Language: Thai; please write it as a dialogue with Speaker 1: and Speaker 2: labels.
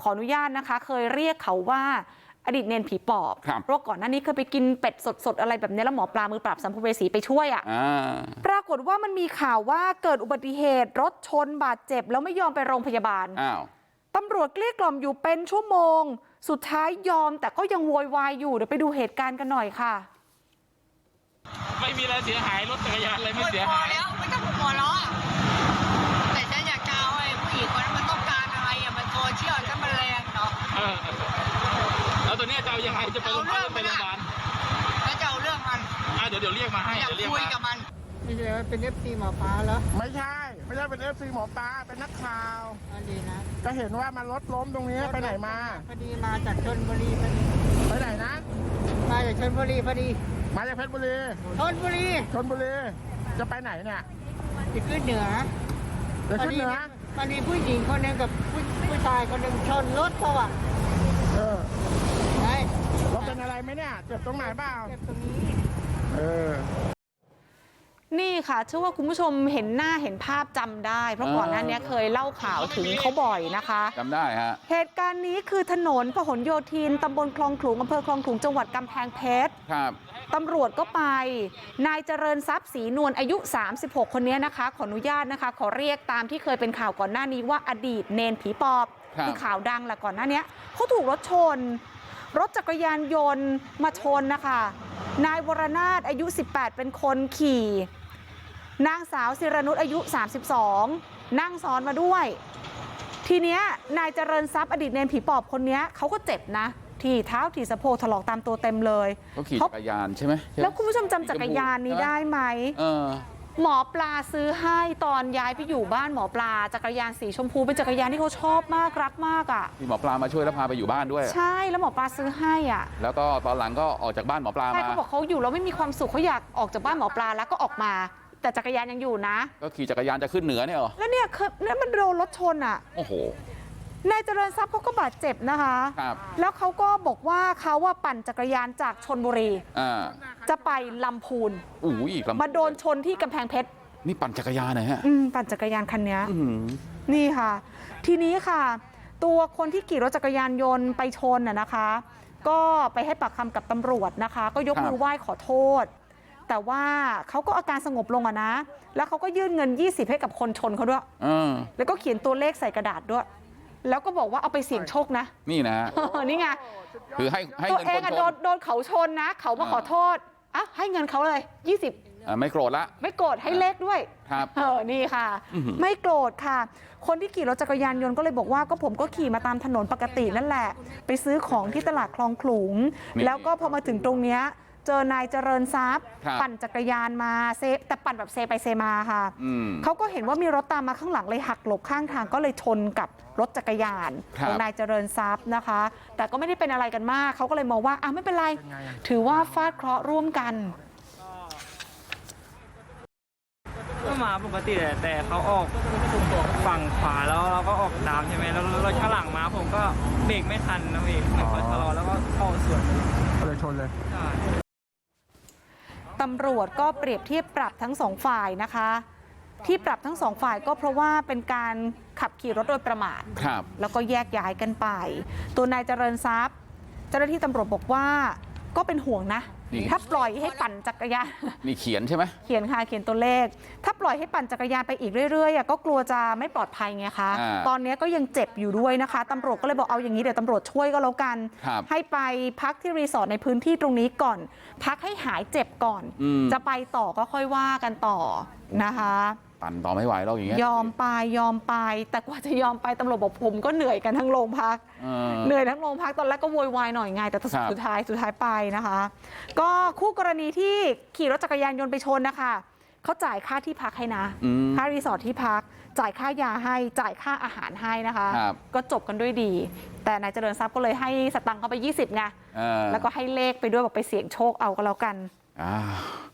Speaker 1: ออนุญาตนะคะเคยเรียกเขาว่าอดีตเนนผีปอบเพราะก่อนหน้านี้เคยไปกินเป็ดสดๆอะไรแบบนี้แล้วหมอปลามือปราบสัมภเวสีไปช่วยปรากฏว่ามันมีข่าวว่าเกิดอุบัติเหตุรถชนบาดเจ็บแล้วไม่ยอมไปโรงพยาบาลตำรวจเกลี้ยกล่อมอยู่เป็นชั่วโมงสุดท้ายยอมแต่ก็ยังโวยวายอยู่เดี๋ยวไปดูเหตุการณ์กันหน่อยค่ะ
Speaker 2: ไม่มีอะไรเสียหายรถจักรยานอะไรไม่เสียหาย
Speaker 3: แล้วไม่ต้องหัวล้อแต่ฉันอยากจะเอาไอ้ผู้หญิงคนนั้นมันต้องการอะไรอ่ะมันโซเชียลฉันมันแรงเนาะ
Speaker 2: แล้วตัวนี้จะเอายังไงจะไปโรงพยาบาล
Speaker 3: แล้วจะเอาเรื่องมัน
Speaker 2: เดี๋ยวเรียกมาให้
Speaker 3: อยากคุยกับมัน
Speaker 4: ไม่ใช่เป็นFCหมอปลาเหรอ
Speaker 5: ไม่ใช่เป็นFCหมอปลาเป็นนักข่าว
Speaker 4: ดีนะ
Speaker 5: ก็เห็นว่ามันรถล้มตรงนี้ไปไหนมา
Speaker 4: พอดีมาจากชลบุรีพอดี
Speaker 5: ไปไหนนะ
Speaker 4: มาจากชลบุรีพอดี
Speaker 5: มาจากเพชรบุรี
Speaker 4: ชลบุรี
Speaker 5: จะไปไหนเนี่ย
Speaker 4: จะขึ้นเหนือ
Speaker 5: จะขึ้นเหนือ
Speaker 4: พอดีผู้หญิงคนนึงกับผู้ชายคนนึงชนรถเขาอ่ะ
Speaker 5: ไงรถเป็นอะไรไหมเนี่ยเจ็บตรงไหนบ้าง
Speaker 4: เจ็บตรงนี้
Speaker 1: นี่ค่ะเชื่อว่าคุณผู้ชมเห็นหน้าเห็นภาพจำได้เพราะก่อนหน้านี้เคยเล่าข่าวถึงเขาบ่อยนะคะ
Speaker 2: จำได้ฮะ
Speaker 1: เหตุการณ์นี้คือถนนพหลโยธินตำบลคลองขลุงอำเภอคลองขลุงจังหวัดกำแพงเพชร
Speaker 2: ครับ
Speaker 1: ตำรวจก็ไปนายเจริญทรัพย์ศรีนวลอายุ36คนนี้นะคะขออนุญาตนะคะขอเรียกตามที่เคยเป็นข่าวก่อนหน้านี้ว่าอดีตเนนผีปอบคือข่าวดังแหละก่อนหน้านี้เขาถูกรถชนรถจักรยานยนต์มาชนนะคะนายวรนาถอายุ18เป็นคนขี่นางสาวศิรนุชอายุ32นั่งซ้อนมาด้วยทีเนี้ยนายเจริญทรัพย์อดีตเนนผีปอบคนนี้เขาก็เจ็บนะที่เท้าที่สะโพกถลอกตามตัวเต็มเลย
Speaker 2: เขาขี่จักรยานใช่ไหม
Speaker 1: แล้วคุณผู้ชมจำจักรยานนี้ได้ไหมหมอปลาซื้อให้ตอนย้ายไปอยู่บ้านหมอปลาจักรยานสีชมพูเป็นจักรยานที่เขาชอบมากรักมากอ่ะ
Speaker 2: ที่หมอปลามาช่วยแล้วพาไปอยู่บ้านด้วย
Speaker 1: ใช่แล้วหมอปลาซื้อให้อ่ะ
Speaker 2: แล้วก็ตอนหลังก็ออกจากบ้านหมอปลามา
Speaker 1: ใช่เขาบอกเขาอยู่แล้วไม่มีความสุขเขาอยากออกจากบ้านหมอปลาแล้วก็ออกมาแต่จักรยานยังอยู่นะ
Speaker 2: ก็ขี่จักรยานจะขึ้นเหนือเนี่ยหรอ
Speaker 1: แล้วเนี่ยมันโดนรถชนอ่ะ
Speaker 2: โอ้โห
Speaker 1: นายเจริญทรัพย์เขาก็บาดเจ็บนะคะแล้วเขาก็บอกว่าเขาว่าปั่นจักรยานจากชลบุรีจะไปลำพูนมาโดนชนที่กำแพงเพชร
Speaker 2: นี่ปั่นจักรยานไหนฮะ
Speaker 1: ปั่นจักรยานคันนี้นี่ค่ะทีนี้ค่ะตัวคนที่ขี่รถจักรยานยนต์ไปชนนะคะก็ไปให้ปากคำกับตำรวจนะคะก็ยกมือไหว้ขอโทษแต่ว่าเขาก็อาการสงบลงอะนะแล้วเขาก็ยื่นเงิน20ให้กับคนชนเขาด้วยแล้วก็เขียนตัวเลขใส่กระดาษด้วยแล้วก็บอกว่าเอาไปเสี่ยงโชคนะ
Speaker 2: นี่นะ
Speaker 1: นี่ไง
Speaker 2: คือให้
Speaker 1: ตัวเองอะโดนเขาชนนะเขามาขอโทษอ่ะให้เงินเขาเลย20
Speaker 2: ไม่โกรธละ
Speaker 1: ไม่โกรธให้เลขด้วย
Speaker 2: ครับ
Speaker 1: นี่ค่ะไม่โกรธค่ะคนที่ขี่รถจักรยานยนต์ก็เลยบอกว่าก็ผมก็ขี่มาตามถนนปกตินั่นแหละไปซื้อของที่ตลาดคลองขลุงแล้วก็พอมาถึงตรงเนี้ยเจอนายเจริญทรัพย์ปั่นจักรยานมาแต่ปั่นแบบเซไปเซมาค่ะเขาก็เห็นว่ามีรถตามมาข้างหลังเลยหักหลบข้างทางก็เลยชนกับรถจักรยานของนายเจริญทรัพย์นะคะแต่ก็ไม่ได้เป็นอะไรกันมากเขาก็เลยมองว่าไม่เป็นไรถือว่าฟาดเคราะห์ร่วมกัน
Speaker 6: ก็มาปกติแต่เขาออกฝั่งขวาแล้วเราก็ออกตามใช่ไหมแล้วรถข้างหลังมาผมก็เบรกไม่ทันนะพี่ไม่ค่อยชะลอแล้วก็เข้าสวน
Speaker 5: เลยชนเลย
Speaker 1: ตำรวจก็เปรียบเทียบปรับทั้งสองฝ่ายนะคะที่ปรับทั้งสองฝ่ายก็เพราะว่าเป็นการขับขี่รถโดยประมาทแล้วก็แยกย้ายกันไปตัวนายเจริญทรัพย์เจ้าหน้าที่ตำรวจบอกว่าก็เป็นห่วงนะถ้าปล่อยให้ปั่นจักรยาน
Speaker 2: นี่เขียนใช่ไหม
Speaker 1: เขียนค่ะเขียนตัวเลขถ้าปล่อยให้ปั่นจักรยานไปอีกเรื่อยๆก็กลัวจะไม่ปลอดภัยไงคะตอนนี้ก็ยังเจ็บอยู่ด้วยนะคะตำรวจก็เลยบอกเอาอย่างนี้เดี๋ยวตำรวจช่วยก็แล้วกันให้ไปพักที่รีสอร์ทในพื้นที่ตรงนี้ก่อนพักให้หายเจ็บก่อนจะไปต่อก็ค่อยว่ากันต่อนะคะ
Speaker 2: ปั่นต่อไม่ไหวแล้วอย่างเงี้ย
Speaker 1: ยอมไปแต่กว่าจะยอมไปตำรวจบอกผมก็เหนื่อยกันทั้งโรงพักเหนื่อยทั้งโรงพักตอนแรกก็โวยวายหน่อยไงแต่สุดท้ายไปนะคะก็คู่กรณีที่ขี่รถจักรยานยนต์ไปชนนะคะเขาจ่ายค่าที่พักให้นะค่ารีสอร์ทที่พักจ่ายค่ายาให้จ่ายค่าอาหารให้นะคะก็จบกันด้วยดีแต่นายเจริญทรัพย์ก็เลยให้สตังค์เขาไป20ไงแล้วก็ให้เลขไปด้วยบอกไปเสี่ยงโชคเอาก็แล้วกัน